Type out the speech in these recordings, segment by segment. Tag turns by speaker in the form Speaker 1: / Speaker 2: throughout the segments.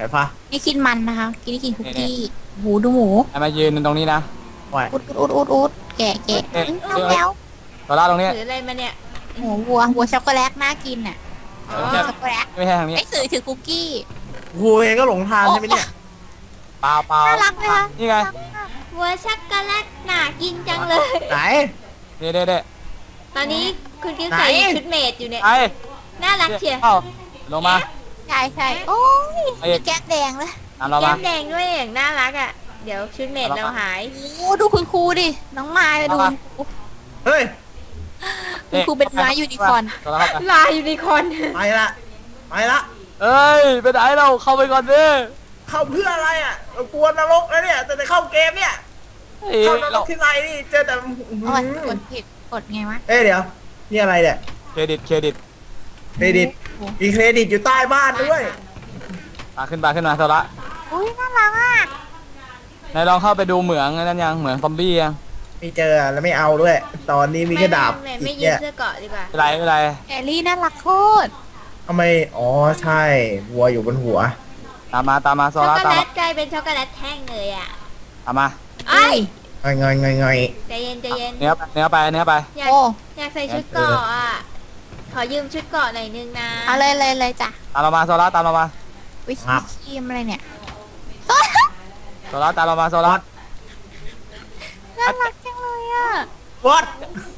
Speaker 1: ปะ
Speaker 2: นี่กินมันนะคะกินคุกกี้หมูดูหมู
Speaker 3: ไอ้มายืนตรงนี้นะ
Speaker 1: ไหว
Speaker 2: อุดแกะเอาแล้ว
Speaker 3: โซล่าตรงนี้
Speaker 4: ถืออะไรมาเนี่ย
Speaker 2: หมูวัวช็อกโกแลตน่ากินอ่ะ
Speaker 4: อ๋อ
Speaker 2: ช็อกโกแลต
Speaker 3: ไม่ใช่ทางนี้
Speaker 2: ไอ้ถือคุกกี้
Speaker 1: กูเองก็หลงทางใช่ไหมเนี่ย
Speaker 3: เปล่าเปล่า
Speaker 2: น่ารักไหมคะ
Speaker 3: นี่ไง
Speaker 4: วัวช็อกโกแลตน่ากินจังเลย
Speaker 1: ไหน
Speaker 3: เด้เด้เด้
Speaker 4: ตอนนี้คุณกิ๊ฟใส่
Speaker 1: ไหน
Speaker 4: ชุดเมดอยู่เนี่ย
Speaker 3: ไอ้
Speaker 4: น่ารักเชียว
Speaker 3: เอ้าลงมา
Speaker 2: ใช่โอ้ย
Speaker 3: ไอ้เอก
Speaker 2: แก้มแดงเลย
Speaker 3: ตามเรา
Speaker 4: แก้
Speaker 3: มาม
Speaker 4: แดงด้วยอย่างน่ารักอ่ะ เดี๋ยวชุดเมดเราหาย
Speaker 2: โอ้ดูคุณครูดิน้องไม้ไปดู
Speaker 1: เฮ้ย
Speaker 2: คุณครูเป็นม้ายูนิคอร์น
Speaker 3: โซล่าเข้าไป
Speaker 4: ลายยูนิคอร์น
Speaker 1: ไปละไปละ
Speaker 3: เอ้ยไปไหนเราเข้าไปก่อนดิ
Speaker 1: เข้าเพื่ออะไรอ่ะเรากลัวนรกแล้วเนี่ยแต่เข้าเกมเนี่ย
Speaker 3: เฮ้ย
Speaker 1: เข้านร
Speaker 3: เรา
Speaker 1: กที่ไรนี่เจอแต่
Speaker 2: เอาไว้กดผิดกดไงวะ
Speaker 1: เอ้ยเดี๋ยวนี่อะไรเนี่ย
Speaker 3: เครดิตเครดิต
Speaker 1: เครดิตมีเครดิตอยู่ใต้บ้านด้วย
Speaker 3: ขึ้นมาโซล่า
Speaker 2: อุ้ยน่ารักอ่ะ
Speaker 3: นายลองเข้าไปดูเหมืองนั่นยังเหมืองซอมบี้ยัง
Speaker 1: ไม่เจอแล้วไม่เอาด้วย ตอนนี้มีแค่ดาบ
Speaker 4: ไม่ยื
Speaker 1: เนี่
Speaker 4: ด
Speaker 1: ย
Speaker 4: เสื้อเกราะดีกว่า
Speaker 3: ไม่เป็นไร
Speaker 2: แอลลี่น่ารักโคตร
Speaker 1: ทำไมอ๋อใช่วัวอยู่บนหัว
Speaker 3: ตามมาโซ
Speaker 4: ช็อก
Speaker 3: ล่า
Speaker 4: โก
Speaker 3: ตาม
Speaker 4: แล
Speaker 3: มา
Speaker 4: ตกลายเป็นช็อกโกแลตแท่งเลยอ่ะ
Speaker 3: ตามมา
Speaker 4: ไอ้ย
Speaker 1: งอย
Speaker 4: ใจเย็นใจเย็น
Speaker 3: เนื้อไป
Speaker 4: อยาก
Speaker 2: โอ้
Speaker 4: อยากใส่ชุดเกราะอ่ะ ขอยืมชุดเกราะหน่อยนึงนะ
Speaker 2: เอาเลยจ้ะ
Speaker 3: ตามเรามาโซล่าตามเรามา
Speaker 2: วิครีมอะไรเนี่ย
Speaker 3: โซล่าตามเรามาโซล่า
Speaker 2: น่ารักจังเลยอ่ะ
Speaker 1: วัด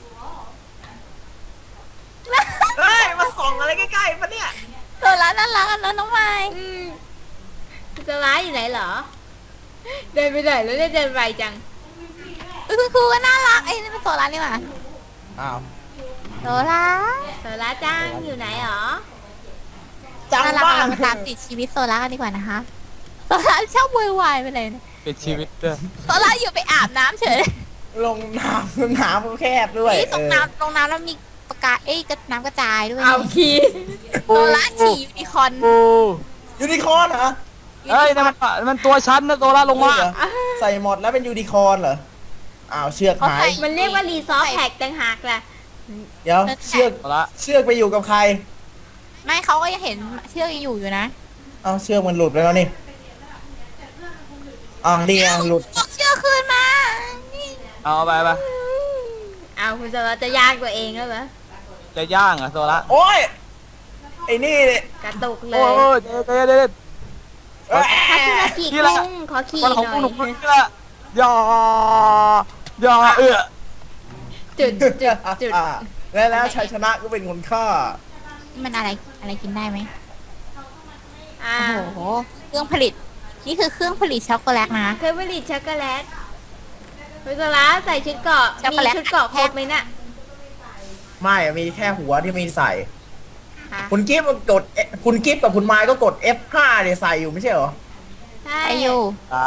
Speaker 1: เฮ้ยมาส่องอะไรใกล้ๆปะเนี่ย
Speaker 2: ตัวร้านน่ารักอ่ะน้องไม้
Speaker 4: อืมคุณจะร้ายอยู่ไหนเหรอ เดินไปไหนแล้วเนี่ยเดินไวจัง
Speaker 2: คุณครูก็น่ารักไอ้นี่เป็นตัวร้านนี่หว่า
Speaker 1: อ้าว
Speaker 2: ตัวร้าน
Speaker 4: โซล่าจ้างอยู่ไหนหรอ
Speaker 1: จัง
Speaker 2: น่ารัก
Speaker 1: บ้า
Speaker 2: เรามาตามติดชีวิตโซล่ากันดีกว่านะคะโซล่าชอบวุ่นวายไปเลยนะ
Speaker 3: ปิดชีวิตด้วย
Speaker 2: โซล่าอยู่ไปอาบน้ำเฉย
Speaker 1: ลงน้ำก็แคบด้วย
Speaker 2: นี่ตรงน้ำแล้วมีประกาศน้ำกระจายด้วย
Speaker 4: เอาคีย์
Speaker 2: โซล่าขี่ยูนิคอร์น
Speaker 3: โอ้
Speaker 1: ยูนิคอร์นเหรอ
Speaker 3: เฮ้ยนั่นมันตัวฉันนะโซล่าลงมา
Speaker 1: เหรอใส่หมดแล้วเป็นยูนิคอร์นเหรออ้าวเชือกหาย
Speaker 4: มันเรียกว่ารีซอสแท็กต่างหากล่ะ
Speaker 1: เดี๋ยวเชือก
Speaker 3: โซล่า
Speaker 1: เชือกไปอยู่กับใคร
Speaker 2: ไม่เขาก็ยังเห็นเชือกยังอยู่นะ
Speaker 1: เอาเชือกมันหลุดไปแล้วนี่อ๋อนี่ไงหลุด
Speaker 2: เชือกคืนมานี่
Speaker 3: เอาไป
Speaker 4: เอาคุณโซล่าจะย่างตัวเองแล้วเหรอ
Speaker 3: จะย่างอ่ะโซล่า
Speaker 1: โอ้ยไอ้นี่เนี่ย
Speaker 4: กระตุกเล
Speaker 3: โอ้
Speaker 4: ย
Speaker 3: เด็ด
Speaker 1: เอ้ย
Speaker 4: คาคุรากิ
Speaker 3: นี่แหละ
Speaker 4: กุ้งขอขี่
Speaker 3: มัน
Speaker 4: ห
Speaker 3: ของ
Speaker 4: น่อ
Speaker 3: หนุ่ม
Speaker 4: ย
Speaker 3: นี่แหละอย่า
Speaker 4: จุดจุด
Speaker 1: แล้วชัยชนะก็เป็นคนฆ่า
Speaker 2: มันอะไรกินได้ไหม
Speaker 4: อ่า
Speaker 2: โอ้โหเครื่องผลิตนี่คือเครื่องผลิตช็อกโกแลตนะ
Speaker 4: เคยผลิตช็อกโกแลตคุณโซล่าใส่ชุดเกราะ
Speaker 2: ช็อก
Speaker 4: มี
Speaker 2: โกแลต
Speaker 4: ชุดเกราะครบไหมน่ะ
Speaker 1: ไม่มีแค่หัวที่มีใส่
Speaker 4: ฮะ
Speaker 1: คุณกิฟต์กดคุณกิฟต์กับคุณไม้ก็กด F5 เนี่ยใส่อยู่ไม่ใช่เหรอ
Speaker 4: ใช่
Speaker 2: ไออยู่
Speaker 3: อ่า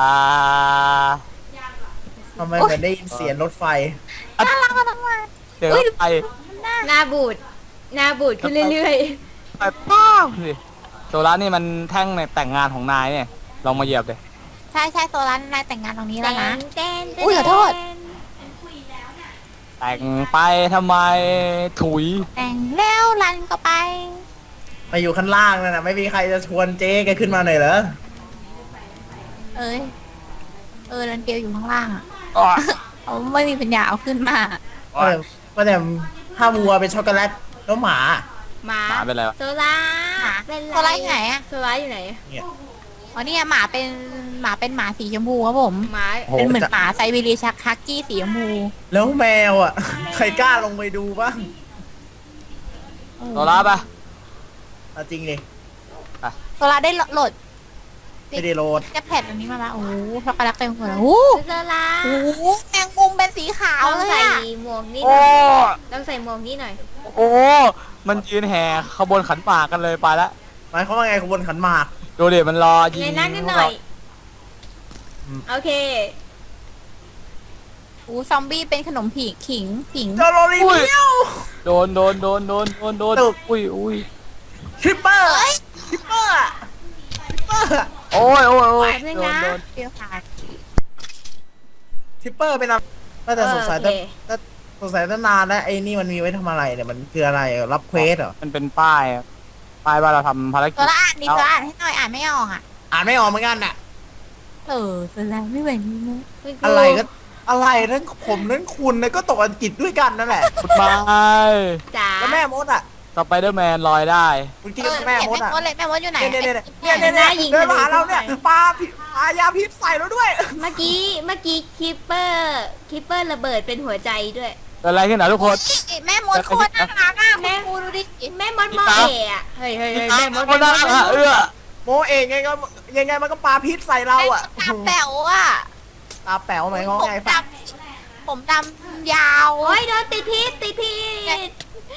Speaker 1: ทำไมเหมือนได้ยินเสียงรถไฟ
Speaker 2: น่ารักมากเลย
Speaker 3: เดี๋ยวไป
Speaker 4: หน้าบูดขึ้นเรื่อย
Speaker 3: ไปป้าวสิโซล่านี่มันแท่งในแต่งงานของนายเนี่ยลองมาเหยียบเลย
Speaker 2: ใช่โซล่านายแต่งงานตรงนี้
Speaker 4: ๆ
Speaker 2: แล้วนะ
Speaker 4: เต้น
Speaker 2: อุ๊ยขอโทษ
Speaker 3: แต่งไปทำไมถุย
Speaker 2: แต่งแล้วรันก็ไป
Speaker 1: มาอยู่ข้างล่างนั่นนะไม่มีใครจะชวนเจ๊แกขึ้นมาหน่อยเหรอ
Speaker 2: เอ้ยรันเปียวอยู่ข้างล่างอ่ะ
Speaker 3: อ๋อ
Speaker 2: เขาไม่มีปัญญาเอาขึ้นมา
Speaker 1: ก็แต่ถ้าวัวเป็นช็อกโกแลตแล้วหมา
Speaker 4: หมา
Speaker 3: หมาเป็นไรวะ
Speaker 4: โซล่า
Speaker 2: หมา
Speaker 4: เป็นไร
Speaker 2: โซล่าอยู่ไหนอะ
Speaker 4: โซล่าอยู่ไหน
Speaker 1: เนี่ย
Speaker 2: อ๋อเนี่ยหมาเป็นหมาสีชมพูครับผม
Speaker 4: หมา
Speaker 1: โอ้โห
Speaker 2: เป็นเหมือนหมาไซบีเรียชักฮักกี้สีชมพู
Speaker 1: แล้วแมวอ่ะ ใครกล้าลงไปดูบ้าง
Speaker 3: โซล่าปะ
Speaker 1: เอาจริงดิ
Speaker 2: โซล่าได้โหลด
Speaker 1: ไม่ได้โหลด
Speaker 2: แกแพดอันนี้มาละโอ้โหช็อกโกแลตเต็มหัวเลยโอ้
Speaker 4: โซล่า
Speaker 2: โหแมงมุมเป็นสีขาว
Speaker 4: ต้อง
Speaker 2: เลย
Speaker 4: ใส่
Speaker 2: อะ
Speaker 4: หมวกนี่ห
Speaker 3: โอ้
Speaker 4: น่อยต้องใส่หมวกนี่หน่อย
Speaker 3: โอ้มันยืนแห่ขบวนขันหมากกันเลยไปแล้ว
Speaker 1: หมายความว่าไงขบวนขันหมาก
Speaker 3: ดูดิมันรอยิง
Speaker 4: ในนั้นนิดหน่อย โอเค
Speaker 2: โอ้ซอมบี้เป็นขนมผีขิง
Speaker 1: เจอโรลีเมียว
Speaker 3: โดนอุ้ย
Speaker 1: ทริปเปอร์
Speaker 2: เอ้ย
Speaker 1: ทริปเปอร์อะทริปเปอร์อะ
Speaker 3: โอ้ย
Speaker 4: แป๊บนึงนะ
Speaker 3: โดน
Speaker 2: เปรี้ยวค่ะ
Speaker 1: ทริปเปอร์เป็นอะไรแต่สงสัย
Speaker 4: โอเค
Speaker 1: สงสัยตั้งนานแล้วไอ้นี่มันมีไว้ทำอะไรเนี่ยมันคืออะไรรับเควสเหรอ
Speaker 3: มันเป็นป้ายอะป้ายว่าเราทำภาร
Speaker 2: โซ
Speaker 3: กิจ
Speaker 2: ล่าอ่านดิโซล่าอ่านให้หน่อยอ่านไม่ออกอ่ะ
Speaker 1: อ่านไม่ออกเหมือนกันน่ะ
Speaker 2: แสดงไม่เป็นนี้นะ
Speaker 4: คุณครู
Speaker 1: อะไรก็อะไรทั้งผมทั้งคุณนะก็ตกอังกฤษด้วยกันนั่นแหละ
Speaker 3: กุดบาย
Speaker 4: จ๋า
Speaker 1: แล้วแม่มดอ่ะ
Speaker 3: สไปเดอร์แมนลอยได้
Speaker 1: คุณคิดว่าแม่มดอ่ะ
Speaker 2: แม่มดอยู่ไหน
Speaker 1: เนี่ยเดินมาหาเราเนี่ยปลาพิษปลายาพิษใส่เราด้วย
Speaker 4: เมื่อกี้คิปเปอร์ระเบิดเป็นหัวใจด้วย
Speaker 3: เกิดอะไรขึ้นนะทุกคน
Speaker 2: แม่มดโคตรน่ารักอ่ะแม่ครูดูดิ
Speaker 4: แม่มดมอเอะอะเฮ้ยแม่มด
Speaker 3: คนน่ารักอะเอื้อ
Speaker 1: โมเองยังไงมันก็ปลาพิษใส่เราอ่ะ
Speaker 2: ตาแป๋วอ่ะ
Speaker 1: ตาแป๋วไหมง้อไง
Speaker 2: ผมดำยาว
Speaker 4: โอ้ยโดนติดพิษติดผิด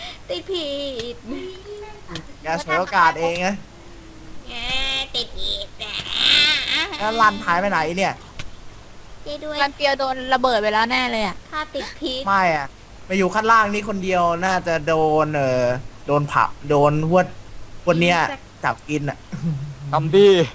Speaker 1: แกฉวยโอกาสเองไง
Speaker 4: ติดผิด
Speaker 1: แล้วรันหายไปไหนเนี่ย
Speaker 4: เจ๊ด้วย
Speaker 2: กันเปียวโดนระเบิดไปแล้วแน่เลยอ่ะ
Speaker 4: ถ้าติดพิษ
Speaker 1: ไม่อ่ะไปอยู่ข้างล่างนี่คนเดียวน่าจะโดนโดนผับโดนพวดคนเนี้ยจับกินอ่ะ
Speaker 3: ทำดี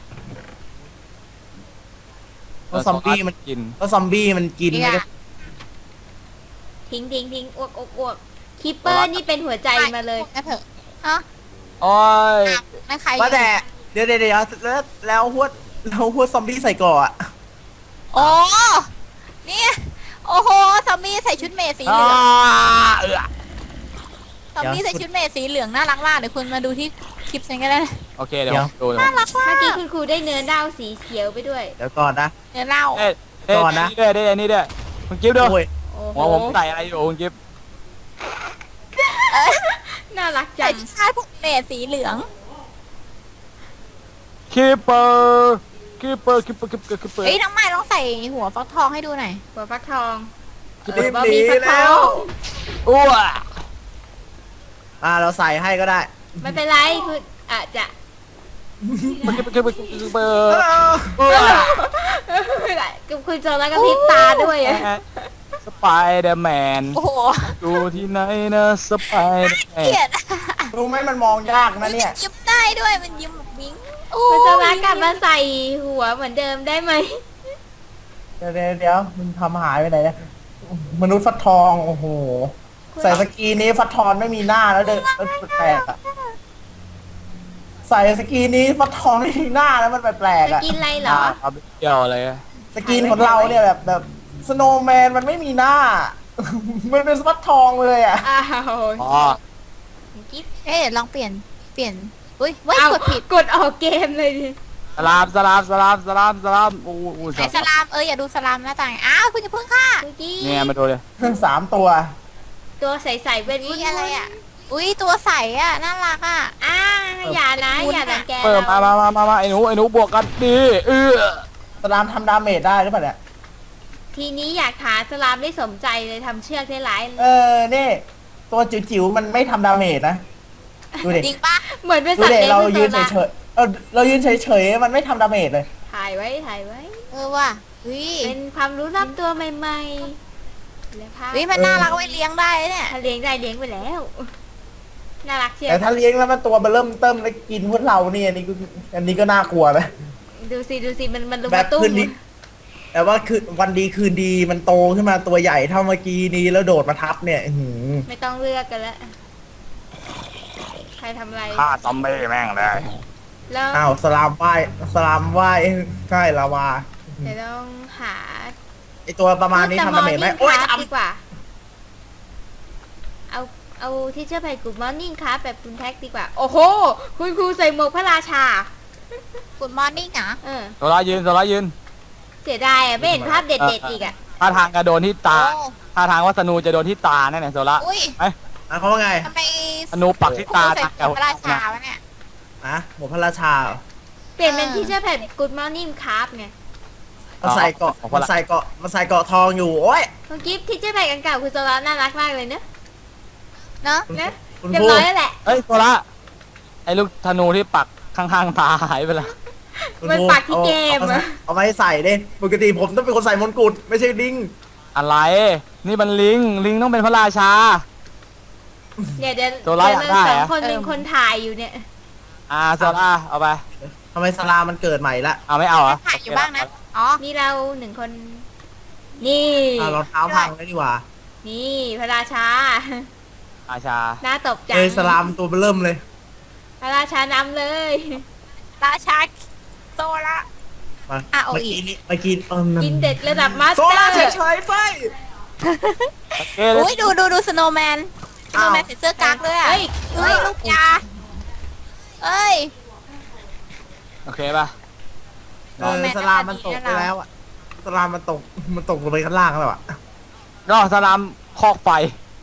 Speaker 1: เพราะซอมบี้มัน
Speaker 3: กิน
Speaker 1: เพราะซอมบี้มันกิน
Speaker 2: นี่
Speaker 1: ไม่
Speaker 2: ไง
Speaker 1: ได้
Speaker 4: ทิ้งอ้วกคิปเปอร์นี่เป็นหัวใจมาเลย
Speaker 2: นะเถอะฮะ
Speaker 3: โอ้ย
Speaker 2: ไม่ใคร
Speaker 1: ว่าแต่เดี๋ยวแล้วพวดซอมบี้ใส่ก่ออ่ะ
Speaker 2: โอ้นี่โอ้โหซอมบี้ใส่ชุดเมดสีเหลือง
Speaker 3: เอื้อ
Speaker 2: ซอมบี้ใส่ชุดเมดสีเหลืองน่ารักมากเดี๋ยวคุณมาดูที่คลิปฉันก็ได้
Speaker 3: โอเคเดี๋ยวผมดูเดี๋ยว
Speaker 2: น่ารักมา
Speaker 4: เมื่อกี้
Speaker 2: ก
Speaker 4: คุณครูได้เนื้อดาวสีเขียวไปด้วย
Speaker 1: เดี๋ยวก่อนนะ
Speaker 2: เนื้อเน่า
Speaker 3: เด้
Speaker 1: ก่อนนะ
Speaker 3: นี่ด้วยได้นี่ด้วยคุณกิฟต์ดู
Speaker 1: โอ้ย
Speaker 4: โอ้โห
Speaker 3: หัวผมใส่อะไรอยู่คุณกิฟต์
Speaker 4: น่ารักจั
Speaker 2: ใส่
Speaker 4: ง
Speaker 2: ชาติพวกเมดสีเหลือง
Speaker 3: คีเปอร์
Speaker 2: เฮ้ยน้องใหม่ลองใส่หัวฟักทองให้ดูหน่อย
Speaker 4: หัวฟักทอง
Speaker 1: รีบหนีแล้ว
Speaker 3: อ้ว
Speaker 1: เราใส่ให้ก็ได้
Speaker 4: ไม่เป็นไรคืออาจจะ
Speaker 3: เปอร์อ้ว
Speaker 4: ไม่เป็นไรกับคุณโจแล้วก็พริบตาด้วยอะ
Speaker 3: สไปเดอร์แมน
Speaker 2: โอ้โห
Speaker 3: ดูที่ไหนนะสไปเดอร์แม
Speaker 2: เกลีย
Speaker 3: น
Speaker 2: ด
Speaker 1: รู้ไหมมันมองยากนะเนี่ย
Speaker 2: ยิ้มได้ด้วยมันยิ้มแบบวิ้งโอ้
Speaker 4: คุณโจแล้วกลับมาใส่หัวเหมือนเดิมได้ไหม
Speaker 1: เดี๋ยวมันทำหายไปไหนเนี่ยมนุษย์ฟัดทองโอ้โหใส่สกีนี้ฟัดทองไม่มีหน้าแล้วเดินแปลกๆอ่ะใส่สกีนี้ฟัดทองไม่มีหน้าแล้วมันแปลกๆ
Speaker 4: จะ
Speaker 1: อ่ะ
Speaker 4: กินอะไรเหรอ
Speaker 3: เอาไปเกี่ยวอะไร
Speaker 1: สกีนของเราเนี่ยแบบสโนว์แมนมันไม่มีหน้า มันเป็นฟัดทองเลยอ่ะ
Speaker 4: อ้าว
Speaker 3: อ๋อ
Speaker 4: กิ๊บ
Speaker 2: เอ๊ะลองเปลี่ยนอุ้ยเว้ย
Speaker 4: เอา
Speaker 2: กดผิด
Speaker 4: กดออกเกมเลยดิ
Speaker 3: สลามโอ้โห
Speaker 2: ไอสลามอย่าดูสลามหน้าต่างอ้าวคุณจะพึ่งค่ะ
Speaker 4: เมื่อกี้
Speaker 3: เนี่ยมาดูเลย
Speaker 1: 3 ตัว
Speaker 4: ตัวใสๆเป็น
Speaker 2: อุ้ยอะไรอ่ะอุ้ยตัวใสอ่ะน่ารักอ่ะ
Speaker 4: อย่านะอย่ารังแก
Speaker 3: เปิดมา
Speaker 4: เรา
Speaker 3: ไอ้หนูบวกกันดี
Speaker 1: สลามทำดาเมจได้หรือเปล่าเนี่ย
Speaker 4: ทีนี้อยากหาสลามได้สมใจเลยทำเชือกได้หลาย
Speaker 1: นี่ตัวจิ๋วๆมันไม่ทำดาเมจนะ ดูดิ
Speaker 2: จริงปะ
Speaker 4: เหมือนเป็น
Speaker 1: ดู
Speaker 4: สัตว์
Speaker 1: ดิ
Speaker 4: เลี้ยง
Speaker 1: เรา
Speaker 4: เป็น
Speaker 1: ยืน
Speaker 4: ตัวละ
Speaker 1: เฉยๆเรายืนเฉยๆมันไม่ทำดาเมจเลย
Speaker 4: ถ่ายไว้
Speaker 2: ว่ะอุ้ย
Speaker 4: เป็นความรู้รอบตัวใหม่ๆแล้วพา
Speaker 2: อุ้ยมันน่ารักเอาไว้เลี้ยงได้เนี่ย
Speaker 4: ถ้าเลี้ยงได้เลี้ยงไปแล้ว น่ารักเชียว
Speaker 1: แต่ถ้าเลี้ยงแล้วมันตัวมันเริ่มเติมแล้วกินพวกเราเนี่ยอันนี้ก็น่ากลัวนะ
Speaker 4: ดูสิมันลุม
Speaker 1: แบ
Speaker 4: มา
Speaker 1: บ
Speaker 4: ตุ้
Speaker 1: คื
Speaker 4: ม
Speaker 1: นดีแต่ว่าคือวันดีคืนดีมันโตขึ้นมาตัวใหญ่เท่าเมื่อกี้นี้แล้วโดดมาทับเนี่ย
Speaker 4: ไม่ต้องเลือกกันแล้วใครทำอะไร
Speaker 3: ฆ่าซอมบี้แม่งเลย
Speaker 4: แล้ว
Speaker 1: อ้าวสลามว่ายใช่ลาวา
Speaker 4: เดี๋ยวต้องหา
Speaker 1: ไอตัวประมาณนี้ทำดาเมจไหมโอ้ย
Speaker 4: ค
Speaker 1: ท
Speaker 4: รับดีกว่า เอาที่เชื่อไปกูมอร์นิ่งครับแบบคุณแท็กดีกว่า โอ้โห คุณครูใส่หมวกพระราชา
Speaker 2: กุดมอร์นิ่งนะ
Speaker 4: เ
Speaker 3: โซล่ายืน
Speaker 4: เสียดายอ่ะไม่เห็นภาพเด็ดๆอีกอ่ะ
Speaker 3: ท่าทางกระโดนที่ตา
Speaker 2: โอ้
Speaker 3: ท่าทางว่าสนูจะโดนที่ตาแน่ๆโซล่า
Speaker 2: อุ้ย
Speaker 1: ำเขาว่าไง
Speaker 2: ทำไม
Speaker 3: สนูปักที่ตา
Speaker 2: ใส่หัวพระราชาวะเนี่ย
Speaker 1: หมวกพระราชาเหรอ
Speaker 4: เปลี่ยนเป็นที่เชื่อแผ่นกูมอร์นิ่งครับไง
Speaker 1: มันใส่เกาะทองอยู่โอ้ย
Speaker 4: คุณกิฟต์ที่เชื่อแผ่นกันเก่าคุณโซลาน่ารักมากเลยเนอะ
Speaker 2: เนอะ
Speaker 4: นะ
Speaker 1: คุณ
Speaker 4: เรีย
Speaker 1: ค
Speaker 4: บ
Speaker 1: รู
Speaker 4: ร้อยแล้วแหละ
Speaker 3: เฮ้ยโซล่าไอ้ลูกธนูที่ปักข้างๆตาหายไปแล้ว
Speaker 4: มันปักที่เกมอะ
Speaker 1: เอามาให้ใส่ดิปกติผมต้องเป็นคนใส่มงกุฎไม่ใช่ดิ้ง
Speaker 3: อะไร นี่มันลิงต้องเป็นพระราชา
Speaker 4: เนี่ยเดี๋ยว
Speaker 3: โซล่าอยากได้
Speaker 4: สอง
Speaker 3: อะ
Speaker 4: คนเป็นคนถ่ายอยู่เนี่ย
Speaker 3: โซล่าเอาไป
Speaker 1: ทำไมสลามันเกิดใหม่ละ
Speaker 3: เอาไม่เอาเหรอ
Speaker 2: ถ่ายอยู่บ้างนะอ๋อ
Speaker 4: นี่เราหนึ่งคน นี่
Speaker 1: รองเท้าพังแล้วดีกว่า
Speaker 4: นี่พระราชา
Speaker 3: ราชา
Speaker 4: น่าตบจัง
Speaker 1: สลามตัวเริ่มเลย
Speaker 4: พระราชานำเลย
Speaker 2: ราชาโซละ
Speaker 1: มา
Speaker 2: อ่ะเอา
Speaker 1: เมื่อ
Speaker 2: อีก
Speaker 1: กี้นี้เมื่อกี้
Speaker 4: กินเด็ดระดับมาส
Speaker 1: โซ
Speaker 4: เตอ
Speaker 1: ล่า
Speaker 4: ร์
Speaker 1: เฉยๆไฟ
Speaker 3: โอเค
Speaker 2: อุ้ยดูสโนว์แมนสโนว์แมนใส่เสื้อกั๊กด้วยอ่ะ
Speaker 4: เฮ้ย
Speaker 2: เฮ้ยลูกยาเอ้ย
Speaker 3: โอเคป่ะ
Speaker 1: สลามมันตกไปแล้วอะสลามมันตกลงไปข้างล่างแล้วอะ
Speaker 3: ก็สลามคอกไฟ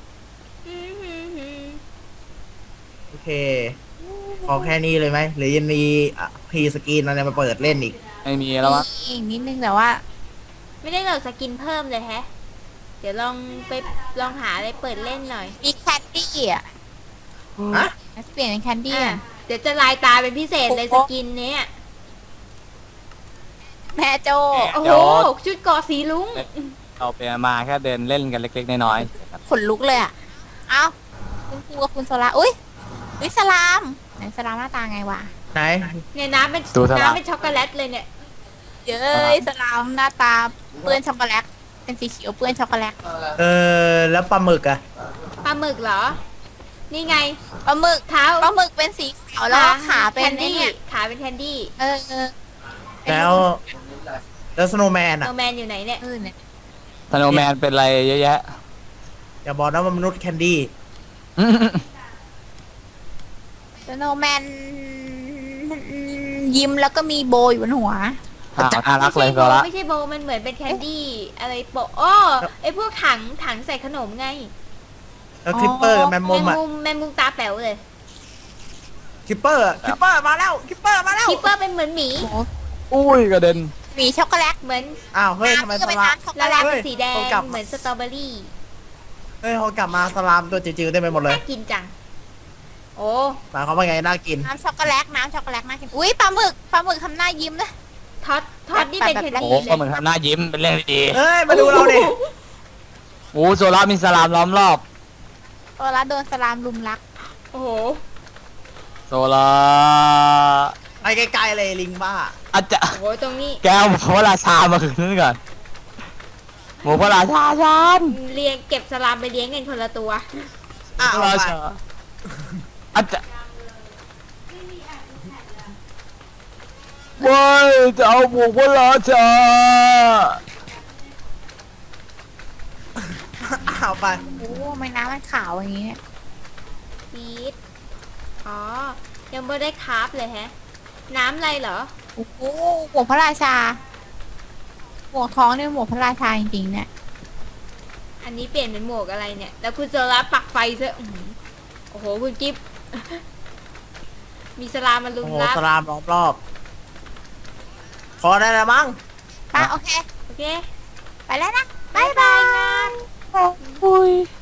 Speaker 1: โอเคพอแค่นี้เลยไหมหรือยังมีพรีสกรีนอะไรมาเปิดเล่นอีก
Speaker 3: ไม่มีแล้วมั้ง
Speaker 2: มีอีกนิดนึงแต่ว่า
Speaker 4: ไม่ได้โหลดสกินเพิ่มเลยแฮะ เดี๋ยวลองหาอะไรเปิดเล่นหน่อย
Speaker 2: มีแคนดี้อ่ะ
Speaker 1: ฮะ
Speaker 2: เปลี่ยนเป็นแคนดี้
Speaker 4: อ่ะ
Speaker 2: อ่ะ
Speaker 4: เดี๋ยวจะลายตาเป็นพิเศษเลยสกินเนี้ย
Speaker 2: แม่โจ
Speaker 4: โอ้โห ชุดเกอสีลุง
Speaker 3: เราไปมาแค่เดินเล่นกันเล็กๆน้อย
Speaker 2: ขนลุกเลยอ่ะ เอ้าคุณครูกับคุณโซล่าอุ้ยสลามไหนสลามหน้าตาไงวะ
Speaker 1: ไหน
Speaker 4: เนี่ยน้ำเป็นช็อกโกแลตเลยเนี่ย
Speaker 2: เย้ยสลามหน้าตาเปื้อนช็อกโกแลตเป็นสีเขียวเปื้อนช็อกโกแลต
Speaker 1: แล้วปลาหมึกอะ
Speaker 4: ปลาหมึกเหรอ นี่ไง
Speaker 2: ปลาหมึก
Speaker 4: เท้า
Speaker 2: ปลาหมึกเป็นสีขาวแล้วก็ขาเป็น
Speaker 4: แคน
Speaker 2: ไอ้
Speaker 4: ดี้
Speaker 2: เนี่ย
Speaker 4: ขาเป็นแคนดี้
Speaker 1: แล้วสโนว์แมน
Speaker 4: โน
Speaker 1: อะ
Speaker 4: แมนอยู่ไหนเนี่ย
Speaker 2: เนี่ย
Speaker 3: ๆสโนว์แมนเป็นอะไรเยอะแยะ
Speaker 1: อย่าบอกนะว่ามนุษย์แคนดี้
Speaker 2: สโนว์แมนยิ้มแล้วก็มีโบอยู่บนหัว
Speaker 3: น่ารักเลยโซละ
Speaker 4: ไม่ใช่โบมันเหมือนเป็นแคนดี้อะไรโปะอ้อไอพวกถังใส่ขนมไง
Speaker 1: แล้วคลิปเปอร์กับแมมมุมอะ
Speaker 4: แมงมุมตาแป๋วเลย
Speaker 1: คลิปเปอร์มาแล้วคลิปเปอร์มาแล้ว
Speaker 4: คิปเปอร์เป็นเหมือนหมี
Speaker 3: อุ้ยกระเด็น
Speaker 2: มีช็อกโกแลต
Speaker 4: เหมือน
Speaker 1: อ้าวเฮ้ยทำไม
Speaker 2: น้ำก็
Speaker 1: ส
Speaker 2: เป็น
Speaker 1: ลาม
Speaker 2: น้ำช็อกโก
Speaker 4: ละ
Speaker 2: แล
Speaker 4: ลาย
Speaker 2: ต
Speaker 4: เป็นสีแดง
Speaker 1: เฮ้ยกลับ
Speaker 4: เหมือนสตรอเบอรี่
Speaker 1: เฮ้ยพอกลับมาสลามตัวจิ๋วๆได้ไปหมดเลย
Speaker 4: น่ากินจัง โอ้
Speaker 1: หมายความว่าไงน่ากิน
Speaker 2: น้ำช็อกโกแลตน่ากินอุ้ยปลาหมึกทำหน้ายิ้มนะ
Speaker 4: ท็อตนี่เป็นแคน
Speaker 3: โอ้
Speaker 4: ดี้
Speaker 3: โห
Speaker 4: เล
Speaker 3: ก็
Speaker 4: ย
Speaker 3: เหมือนทำหน้ายิ้มเป็นเรื่องดี
Speaker 1: เฮ้ยมาดูเราดิ
Speaker 3: ๆโอ้โซละมีสลามล้อมรอบ
Speaker 2: โซล่าโดนสลามลุมรัก
Speaker 4: โอ้โห
Speaker 3: โซละ
Speaker 1: ไปไกลๆเลยลิงบ้า
Speaker 3: อาจจะ
Speaker 4: โอ้โหตรงนี้
Speaker 3: แกเอาหมูพระราชามาคืนนั่นก่อนหมูพระราชาชัน
Speaker 4: เลี้ยงเก็บสลามไปเลี้ยงกันคนละตัว
Speaker 1: อ้าว
Speaker 3: พระราชาอาจจะว้ายจะเอาหมูพระราชา
Speaker 1: อ้าวไป
Speaker 2: โอ้ไม่น้ำมันขาวอย่างนี้เนี่ย
Speaker 4: ฟีดอ๋อ ยังไม่ได้คราฟเลยแฮะ น้ำอะไรเหรอ
Speaker 2: โอ้โหหมวกพระราชาหมวกท้องเนี่ยหมวกพระราชาจริงๆเนี่ย
Speaker 4: อันนี้เปลี่ยนเป็นหมวกอะไรเนี่ย แล้วคุณโซล่าปักไฟซะอื้อหือโอ้โห คุณกิฟ มีสลามมาลุ
Speaker 1: โอ้
Speaker 4: ม
Speaker 1: โห
Speaker 4: รับ
Speaker 1: สลามล้อมรอบพอได้แล้วมั้ง
Speaker 2: โอเค
Speaker 4: โอเค
Speaker 2: ไปแล้วนะ
Speaker 4: บายบายงาน
Speaker 3: อุ้ย